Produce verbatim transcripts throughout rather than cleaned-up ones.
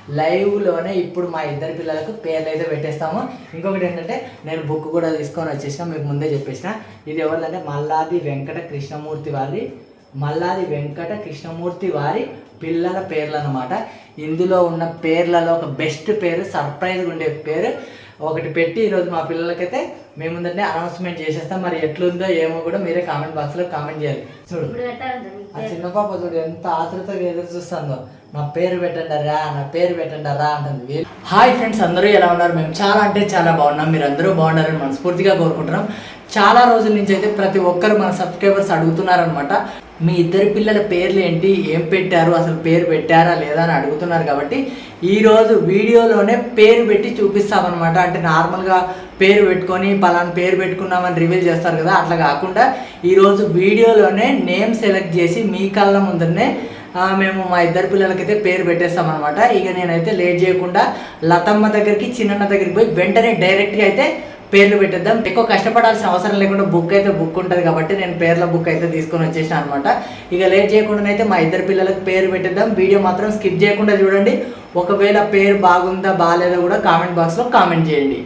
లైవ్లోనే ఇప్పుడు మా ఇద్దరు పిల్లలకు పేర్లు అయితే పెట్టేస్తాము. ఇంకొకటి ఏంటంటే నేను బుక్ కూడా తీసుకొని వచ్చేసిన, మీకు ముందే చెప్పేసిన. ఇది ఎవరిదంటే మల్లాది వెంకట కృష్ణమూర్తి వారి మల్లాది వెంకట కృష్ణమూర్తి వారి పిల్లల పేర్లు అన్నమాట. ఇందులో ఉన్న పేర్లలో ఒక బెస్ట్ పేరు, సర్ప్రైజ్గా ఉండే పేరు ఒకటి పెట్టి ఈరోజు మా పిల్లలకైతే మేము ముందంటే అనౌన్స్మెంట్ చేసేస్తాం. మరి ఎట్లుందో ఏమో కూడా మీరే కామెంట్ బాక్స్లో కామెంట్ చేయాలి. చూడు ఆ చిన్న పాప చూడు ఎంత ఆతృతగా ఎదురు చూస్తుందో, నా పేరు పెట్టండి రా, నా పేరు పెట్టండి రా అంటుంది. హాయ్ ఫ్రెండ్స్, అందరూ ఎలా ఉన్నారు? మేము చాలా అంటే చాలా బాగున్నాం. మీరు అందరూ బాగున్నారని మనస్ఫూర్తిగా కోరుకుంటున్నాం. చాలా రోజుల నుంచి అయితే ప్రతి ఒక్కరు మన సబ్స్క్రైబర్స్ అడుగుతున్నారనమాట, మీ ఇద్దరి పిల్లల పేర్లు ఏంటి, ఏం పెట్టారు, అసలు పేరు పెట్టారా లేదా అని అడుగుతున్నారు. కాబట్టి ఈరోజు వీడియోలోనే పేరు పెట్టి చూపిస్తామన్నమాట. అంటే నార్మల్గా పేరు పెట్టుకొని పలానా పేరు పెట్టుకున్నామని రివీల్ చేస్తారు కదా, అట్లా కాకుండా ఈరోజు వీడియోలోనే నేమ్ సెలెక్ట్ చేసి మీ కళ్ళ ముందరనే మేము మా ఇద్దరు పిల్లలకైతే పేరు పెట్టేస్తామన్నమాట. ఇక నేనైతే లేట్ చేయకుండా లతమ్మ దగ్గరికి చిన్నన్న దగ్గరికి పోయి వెంటనే డైరెక్ట్గా అయితే పేర్లు పెట్టేద్దాం. ఎక్కువ కష్టపడాల్సిన అవసరం లేకుండా బుక్ అయితే బుక్ ఉంటుంది కాబట్టి నేను పేర్ల బుక్ అయితే తీసుకొని వచ్చేసాను అనమాట. ఇక లేట్ చేయకుండా అయితే మా ఇద్దరు పిల్లలకు పేరు పెట్టేద్దాం. వీడియో మాత్రం స్కిప్ చేయకుండా చూడండి. ఒకవేళ పేరు బాగుందా బాగాలేదో కూడా కామెంట్ బాక్స్లో కామెంట్ చేయండి.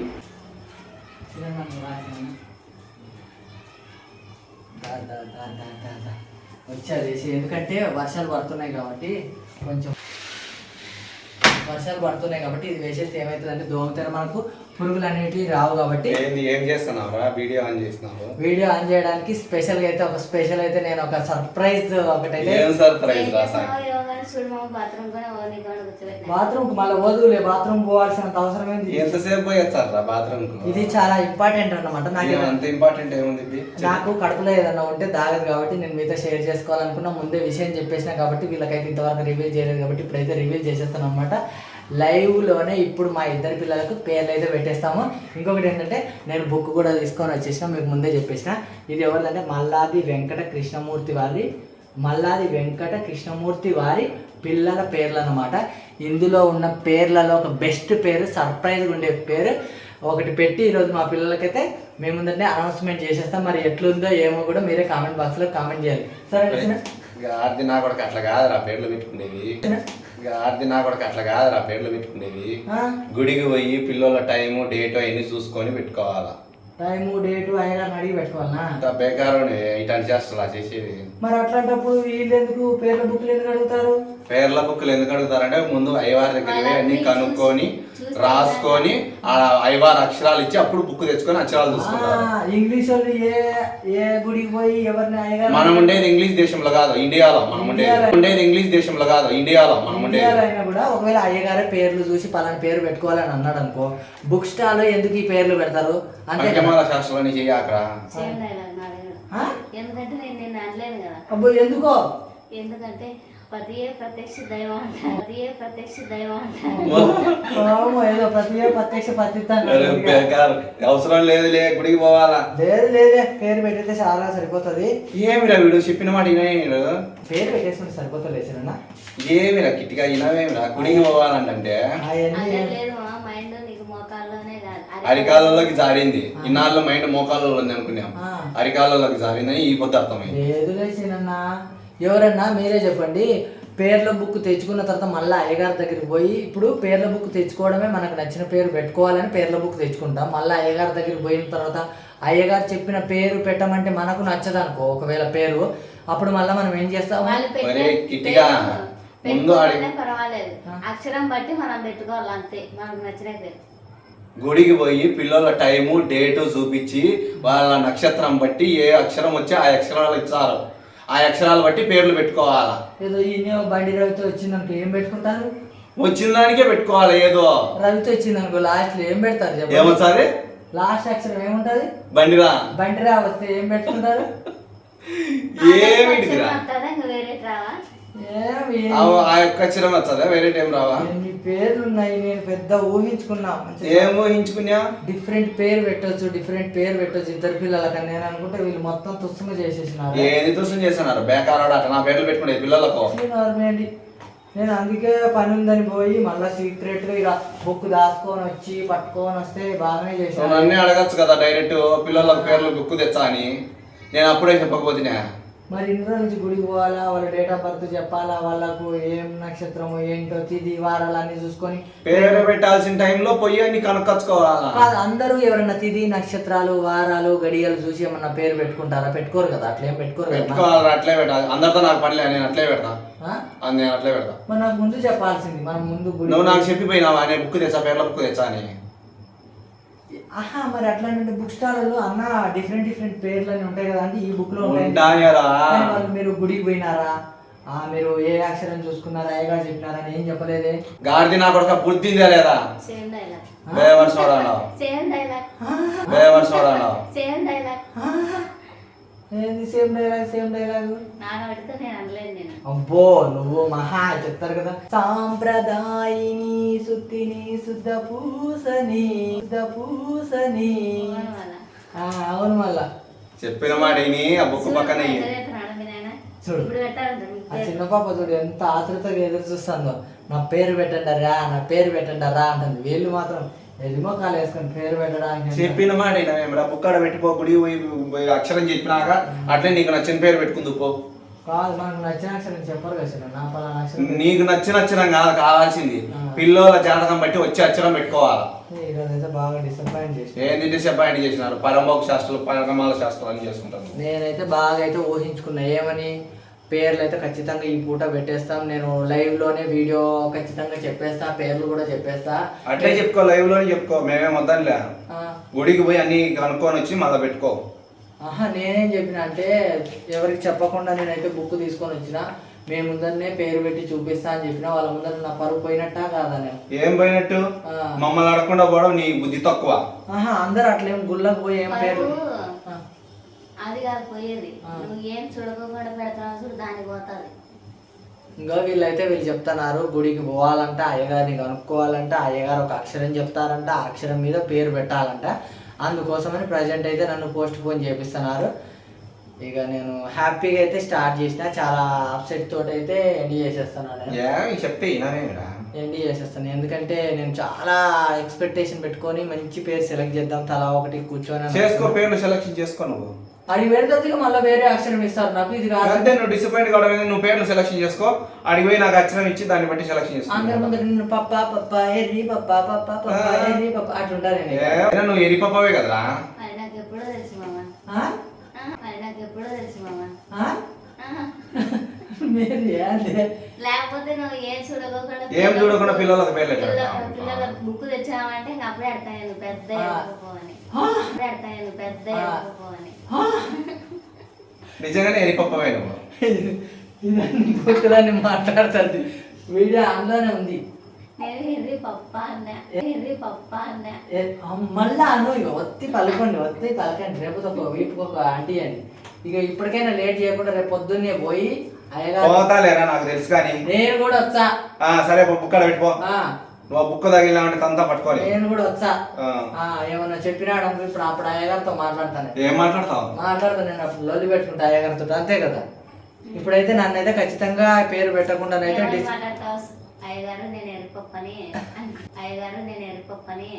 వచ్చేది ఎందుకంటే వర్షాలు పడుతున్నాయి కాబట్టి కొంచెం వర్షాలు పడుతున్నాయి కాబట్టి ఇది వేసేస్తే ఏమవుతుందంటే దోమతెర మనకు పురుగులు అనేటివి రావు. కాబట్టి ఏం చేస్తున్నావు? వీడియో ఆన్ చేస్తున్నావు? వీడియో ఆన్ చేయడానికి స్పెషల్ గా అయితే ఒక స్పెషల్ అయితే నేను ఒక సర్ప్రైజ్ ఒకటైతే సర్ప్రైజ్ బాత్రూమ్ మళ్ళీ వదులే బాత్రూమ్ పోవాల్సినంత అవసరం ఏంది? ఎంతసేపు పోయేస్తారా బాత్రూమ్? ఇది చాలా ఇంపార్టెంట్ అన్నమాట. నాకు అంత ఇంపార్టెంట్ ఏముంది? నాకు కడుపులో ఏదన్నా ఉంటే దాగదు కాబట్టి నేను మీతో షేర్ చేసుకోవాలనుకున్నా. ముందే విషయం చెప్పేసిన కాబట్టి వీళ్ళకైతే ఇంతవరకు రివీల్ చేయలేదు కాబట్టి ఇప్పుడైతే రివీల్ చేసేస్తాను అనమాట. లైవ్లోనే ఇప్పుడు మా ఇద్దరు పిల్లలకు పేర్లు అయితే పెట్టేస్తాము. ఇంకొకటి ఏంటంటే నేను బుక్ కూడా తీసుకొని వచ్చేసిన, మీకు ముందే చెప్పేసిన. ఇది ఎవరిదంటే మల్లాది వెంకట కృష్ణమూర్తి వారి మల్లాది వెంకట కృష్ణమూర్తి వారి పిల్లల పేర్లు అన్నమాట. ఇందులో ఉన్న పేర్లలో ఒక బెస్ట్ పేరు, సర్ప్రైజ్గా ఉండే పేరు ఒకటి పెట్టి ఈరోజు మా పిల్లలకైతే మేము ముందంటే అనౌన్స్మెంట్ చేసేస్తాం. మరి ఎట్లుందో ఏమో కూడా మీరే కామెంట్ బాక్స్లో కామెంట్ చేయాలి. సరే ఆర్ది నా కూడా అట్లా కాదురా పేర్లు పెట్టుకునేది. ఆర్ది నా కూడా అట్లా కాదురా పేర్లు పెట్టుకునేది. గుడికి పోయి పిల్లల టైము డేట్ అవన్నీ చూసుకొని పెట్టుకోవాలా. టైము డేటు అయినా అడిగి పెట్టుకోవాలన్నా? బేకారు ఇట్లాంటి చేస్తా చేసేది. మరి అట్లాంటప్పుడు వీళ్ళు ఎందుకు పేర్ల బుక్లు ఎందుకు అడుగుతారు? పేర్ల బుక్లు ఎందుకు అడుగుతారంటే ముందు అయ్యవారి దగ్గర అన్ని కనుక్కొని రాసుకొని ఆ అయ్యవారి అక్షరాలు ఇచ్చి అప్పుడు బుక్ తెచ్చుకొని అక్షరాలు చూసుకుంటారు. ఇంగ్లీష్ వాళ్ళు ఏ ఏ గుడికి పోయి ఎవరిని అయ్యగారు? మనం ఉండేది ఇంగ్లీష్ దేశంలో కాదు ఇండియాలో. మనం ఉండేది ఉండేది ఇంగ్లీష్ దేశంలో కాదు ఇండియాలో. మనం ఉండేది అయినా కూడా ఒకవేళ అయ్యగారే పేర్లు చూసి పలానా పేరు పెట్టుకోవాలని అన్నాడు అనుకో, బుక్ స్టాల్ ఎందుకు ఈ పేర్లు పెడతారు అంటే శాస్త్రాన్ని చెయ్యాక. ఎందుకంటే నేను నేను అనలేను కదా. అబ్బో ఎందుకో? ఎందుకంటే పతియే ప్రత్యక్ష దైవం అంటారు. పతియే ప్రత్యక్ష దైవం అంటారు. ఏదో ప్రతియే ప్రత్యక్ష పతితాను అవసరం లేదు, లే గుడికి పోవాలా? లేదు లేదే, పేరు పెట్టితే చాలా సరిపోతుంది. ఏమిరా వీడు చెప్పిన మాట వినడు. పేరు పెట్టేసుకుంటే సరిపోతుంది చిన్న. ఏమిరా కిట్టిగా వినవేమిరా? గుడికి పోవాలంటే అరికాలలోకి జారింది. ఇన్నాళ్ళు మైండ్ మోకాళ్ళలో ఉంది అనుకున్నాం, అరికాలలోకి జారిందని ఈ పొద్దు అర్థమైంది. లేదు లేచినన్న, ఎవరన్నా మీరే చెప్పండి. పేర్ల బుక్ తెచ్చుకున్న తర్వాత మళ్ళీ అయ్యగారి దగ్గరికి పోయి, ఇప్పుడు పేర్ల బుక్ తెచ్చుకోవడమే మనకు నచ్చిన పేరు పెట్టుకోవాలని పేర్ల బుక్ తెచ్చుకుంటాం. మళ్ళీ అయ్యగారి దగ్గరికి పోయిన తర్వాత అయ్యగారు చెప్పిన పేరు పెట్టమంటే మనకు నచ్చదు అనుకో ఒకవేళ పేరు, అప్పుడు మళ్ళీ మనం ఏం చేస్తాం? పర్వాలేదు, అక్షరం బట్టి మనం పెట్టుకోవాలి అంతే, మనకు నచ్చిన పేరు. గుడికి పోయి పిల్లల టైము డేటు చూపించి వాళ్ళ నక్షత్రం బట్టి ఏ అక్షరం వచ్చి ఆ అక్షరాలు ఇచ్చారు, ఆ అక్షరాలు బట్టి పేర్లు పెట్టుకోవాలా. ఏదో ఈ బండి రవితో వచ్చిందనుకో ఏం పెట్టుకుంటారు? వచ్చిన దానికే పెట్టుకోవాలి. ఏదో రవితో వచ్చిందనుకో లాస్ట్ లో ఏం పెడతారు? ఏమొచ్చారు? లాస్ట్ అక్షరం ఏముంటది? బండిరా. బండిరా వస్తే ఏం పెట్టుకుంటారు? ఏమిటి ఆ యొక్క అక్షరం వచ్చదా? వేరే టైం రావా? ఎన్ని పేర్లు ఉన్నాయి, నేను పెద్ద ఊహించుకున్నా. ఏం ఊహించుకున్నా? డిఫరెంట్ పేరు పెట్టొచ్చు, డిఫరెంట్ పేరు పెట్టొచ్చు ఇద్దరు పిల్లలకి. నేను అనుకుంటే వీళ్ళు మొత్తం తుస్సుమ చేసేసినారు. ఏది తుస్సం చేస్తున్నారు? బేకారాడు అట్లా నా పేర్లు పెట్టుకునే పిల్లలకు. నేను అందుకే పని ఉందని పోయి మళ్ళీ సీక్రెట్ గా ఇక బుక్ దాచుకొని వచ్చి పట్టుకొని వస్తే బాగానే చేసాను. అన్నీ అడగచ్చు కదా డైరెక్ట్ పిల్లలకు పేర్లు బుక్ తెచ్చా అని. నేను అప్పుడే చెప్పకపోతున్నా మరి ఇన్ని రోజుల నుంచి గుడికి పోవాలా, వాళ్ళ డేట్ ఆఫ్ బర్త్ చెప్పాలా, వాళ్ళకు ఏం నక్షత్రము ఏంటో తిది వారాలు అన్ని చూసుకొని పేరు పెట్టాల్సిన టైంలో పోయి అన్ని కనుక్కొచ్చుకోవాలా. కాదు, అందరూ ఎవరన్నా తిది నక్షత్రాలు వారాలు గడియలు చూసి ఏమన్నా పేరు పెట్టుకుంటారా? పెట్టుకోరు కదా, అట్లేం పెట్టుకోరు కదా. పెట్టుకోవాలి, అట్లే పెట్టాలి. అందరితో నాకు పనిలే, నేను అట్లే పెడతా. నేను అట్లే పెడతా. మరి నాకు ముందు చెప్పాల్సింది, మనం ముందు గుడి. నువ్వు నాకు చెప్పిపోయినావా నేను బుక్ తెచ్చా, పేర్ల బుక్ తెచ్చా అని. ఆహా, మరి అట్లాంటి బుక్ స్టాల్లో అన్న డిఫరెంట్ డిఫరెంట్ పేర్లు అని ఉంటాయి కదా, అంటే ఈ బుక్ లో ఉంటాయి. ఉంటాయరా. వాళ్ళు మీరు గుడికి పోయినారా, ఆ మీరు ఏ అక్షరం చూసుకున్నారా, ఏగా చెప్పినారా అని ఏం చెప్పలేదే. గాడిది నా కొడుక బుద్ధిందే లేదా? Same dialogue. బేవర్స్ వాడాను. Same dialogue. బేవర్స్ వాడాను. Same dialogue. ఏంది సేమ్ డైలాగ్? సేమ్ డైలాగ్ నాన్న పడితే నేను అనలేదు. నేను అబ్బో నువ్వు మహా చెప్తారు కదా. సాంప్రదాయిని సుత్తిని శుద్ధ పూసని శుద్ధ పూసని. అవును మళ్ళా చెప్పిన మాట విని ఆ బుక్ పక్కన చూడు, ఆ చిన్న పాప చూడు ఎంత ఆతృతగా ఎదురు చూస్తుందో. నా పేరు పెట్టండి రా, నా పేరు పెట్టండి రా అంటుంది. వీళ్ళు మాత్రం ఎదిమోకాలు వేసుకొని పేరు పెట్టడానికి. చెప్పిన మాట వినవేమిరా, బుక్ ఆడ పెట్టిపో, గుడి పోయి అక్షరం చెప్పినాక అట్లే నీకు నచ్చిన పేరు పెట్టుకుందు పో. కాదు, మనకు నచ్చిన అక్షరం చెప్పరు కదా, నా పలానా అక్షరం. నీకు నచ్చిన అక్షరం కాదు కావాల్సింది, పిల్లల జాతకం బట్టి వచ్చే అక్షరం పెట్టుకోవాలా. ఈరోజైతే బాగా డిసప్పాయింట్ చేసి ఏంటి డిసప్పాయింట్ చేసినారు? పరమోక్ష శాస్త్రాలు పరమాల శాస్త్రాలు అని చేసుకుంటాను. నేనైతే బాగా అయితే ఊహించుకున్నా, ఏమని పేర్లు అయితే ఖచ్చితంగా ఈ పూట పెట్టేస్తాం, నేను లైవ్ లోనే వీడియో ఖచ్చితంగా చెప్పేస్తా, పేర్లు కూడా చెప్పేస్తా. అట్లే చెప్పుకో, లైవ్ లోనే చెప్పుకో, మేమేం వద్దనిలే. గుడికి పోయి అన్ని కనుక్కొని వచ్చి మళ్ళీ పెట్టుకో. ఆహా, నేనేం చెప్పిన అంటే ఎవరికి చెప్పకుండా నేనైతే బుక్ తీసుకొని వచ్చిన, మేము ముందరనే పేరు పెట్టి చూపిస్తా అని చెప్పిన. వాళ్ళ ముందర నా పరువు పోయినట్టా కాదా? నేను ఏం పోయినట్టు? మమ్మల్ని అడగకుండా పోవడం నీ బుద్ధి తక్కువ. ఆహా, అందరు అట్లేం గుళ్ళకు పోయి ఏం పేరు అది కాదు పోయేది. నువ్వు ఏం చూడకుండా పెడతావు చూడు, దానికి పోతుంది. ఇంకా వీళ్ళైతే వీళ్ళు చెప్తున్నారు గుడికి పోవాలంట, అయ్యగారిని కనుక్కోవాలంట, అయ్యగారు ఒక అక్షరం చెప్తారంట, ఆ అక్షరం మీద పేరు పెట్టాలంట. అందుకోసమని ప్రజెంట్ అయితే నన్ను పోస్ట్ పోన్ చేపిస్తున్నారు. ఇక నేను హ్యాపీగా అయితే స్టార్ట్ చేసిన, చాలా అప్సెట్ తోటి అయితే ఎండ్ చేసేస్తున్నాను. చెప్తే ఎండ్ చేసేస్తాను, ఎందుకంటే నేను చాలా ఎక్స్పెక్టేషన్ పెట్టుకొని మంచి పేరు సెలెక్ట్ చేద్దాం, తలా ఒకటి కూర్చొని చేసుకో, పేరు సెలెక్షన్ చేసుకో. నువ్వు అది పెడితే మళ్ళీ వేరే అక్షరం ఇస్తారు నాకు, ఇది కాదు. అంటే నువ్వు డిసప్పాయింట్ కావడం, నువ్వు పేర్లు సెలెక్షన్ చేసుకో, అడిగి పోయి నాకు అక్షరం ఇచ్చి దాన్ని బట్టి సెలెక్షన్ చేసుకో. అందరి ముందు నేను పప్ప పప్ప ఎర్రి పప్ప పప్ప పప్ప ఎర్రి పప్ప అట్లుంటారు. నువ్వు ఎర్రి పప్పవే కదరా. అది నాకు ఎప్పుడో తెలుసు మామ. అది నాకు ఎప్పుడో తెలుసు మామ. లేకపోతే నువ్వు ఏం చూడకుండా ఏం చూడకుండా పిల్లలకు పేర్లు పిల్లల బుక్ తెచ్చావంటే ఇంకా అప్పుడే అడతాను పెద్ద ఎరుపుకోని అడతాను పెద్ద ఎరుపుకోని. నిజంగానే ఎరిపప్పవే నువ్వు. ఇదాన్ని మాట్లాడుతుంది, వీడియో అందులోనే ఉంది. నేను ఎర్రి పప్ప అన్నా, ఎర్రి పప్ప అన్నా. మళ్ళా అను, ఇక ఒత్తి పలకండి, ఒత్తి పలకండి, రేపు ఒక వీపుకి ఒక ఆంటీ అని. ఇక ఇప్పటికైనా లేట్ చేయకుండా రేపు పొద్దున్నే పోయి పోతాలేరా, నాకు తెలుసు. కానీ నేను కూడా వచ్చా. సరే బుక్ అక్కడ పెట్టుకో, నువ్వు బుక్ తగిలినామంటే తంతా పట్టుకోవాలి. నేను కూడా వచ్చా. ఏమన్నా చెప్పినాడు అనుకో, ఇప్పుడు అప్పుడు అయ్యగారితో మాట్లాడతాను. ఏం మాట్లాడతావు? మాట్లాడతాను నేను, అప్పుడు లొల్లి పెట్టుకుంటా అయ్యగారితో, అంతే కదా. ఇప్పుడైతే నన్ను అయితే ఖచ్చితంగా పేరు పెట్టకుండా అయితే అయ్యగారు నేను ఎరుపప్పని అయ్యగారు నేను ఎరుపప్పని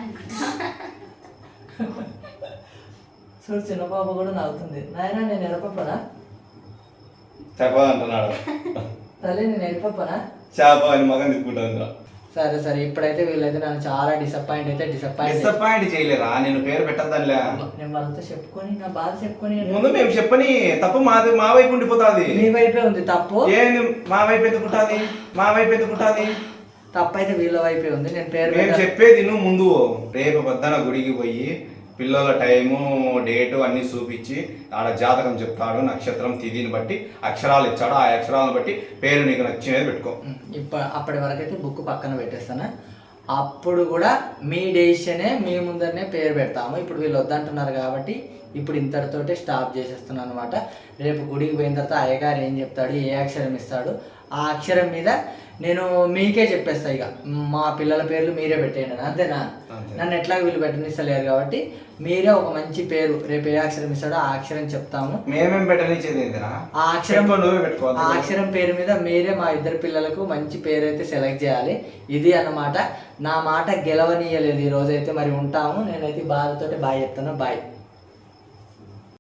చూడు, చిన్న పాప కూడా నవ్వుతుంది. నాయన నేను ఎరపప్పనా చెప్పదంటున్నాడు. తల్లి నేను ఎరపప్పనా చేప అని మగం తీసుకుంటా. సరే సరే, ఇప్పుడైతే వీళ్ళైతే నన్ను చాలా డిసప్పాయింట్ అయితే డిసప్పాయింట్ డిసప్పాయింట్ చేయలేరా? నేను పేరు పెట్టద్దానిలే, నేను వాళ్ళతో చెప్పుకొని నా బాధ చెప్పుకొని. ముందు మేము చెప్పని తప్పు మాది మా వైపు ఉండిపోతుంది. మీ వైపే ఉంది తప్పు. ఏంది మా వైపు ఎందుకుంటుంది? మా వైపు ఎందుకుంటుంది? తప్పు అయితే వీళ్ళ వైపే ఉంది. నేను పేరు మేము చెప్పేది నువ్వు ముందు రేపు పొద్దున గుడికి పోయి పిల్లల టైము డేటు అన్ని చూపించి ఆడ జాతకం చెప్తాడు, నక్షత్రం తిథిని బట్టి అక్షరాలు ఇచ్చాడు, ఆ అక్షరాలను బట్టి పేరు నీకు నచ్చినది పెట్టుకో. ఇప్పుడు అప్పటి వరకు అయితే బుక్ పక్కన పెట్టేస్తాను. అప్పుడు కూడా మీ డెసిషనే, మీ ముందరనే పేరు పెడతాము. ఇప్పుడు వీళ్ళు వద్దంటున్నారు కాబట్టి ఇప్పుడు ఇంతటితోటే స్టాప్ చేసేస్తున్నాను అనమాట. రేపు గుడికి పోయిన తర్వాత అయ్యగారు ఏం చెప్తాడు, ఏ అక్షరం ఇస్తాడు, ఆ అక్షరం మీద నేను మీకే చెప్పేస్తా. ఇక మా పిల్లల పేర్లు మీరే పెట్టేయండి, అంతేనా? నన్ను ఎట్లా వీళ్ళు పెట్టనిస్తలేరు కాబట్టి మీరే ఒక మంచి పేరు, రేపు ఏ అక్షరం ఇస్తాడో ఆ అక్షరం చెప్తాము. మేమేం పెట్టనిచ్చేది ఆ అక్షరం నువ్వే పెట్టుకోవాలి. ఆ అక్షరం పేరు మీద మీరే మా ఇద్దరు పిల్లలకు మంచి పేరు అయితే సెలెక్ట్ చేయాలి. ఇది అన్నమాట. నా మాట గెలవనీయలేదు ఈ రోజైతే. మరి ఉంటాము. నేనైతే బాధతోటి బాయ్ చెప్తాను. బాయ్.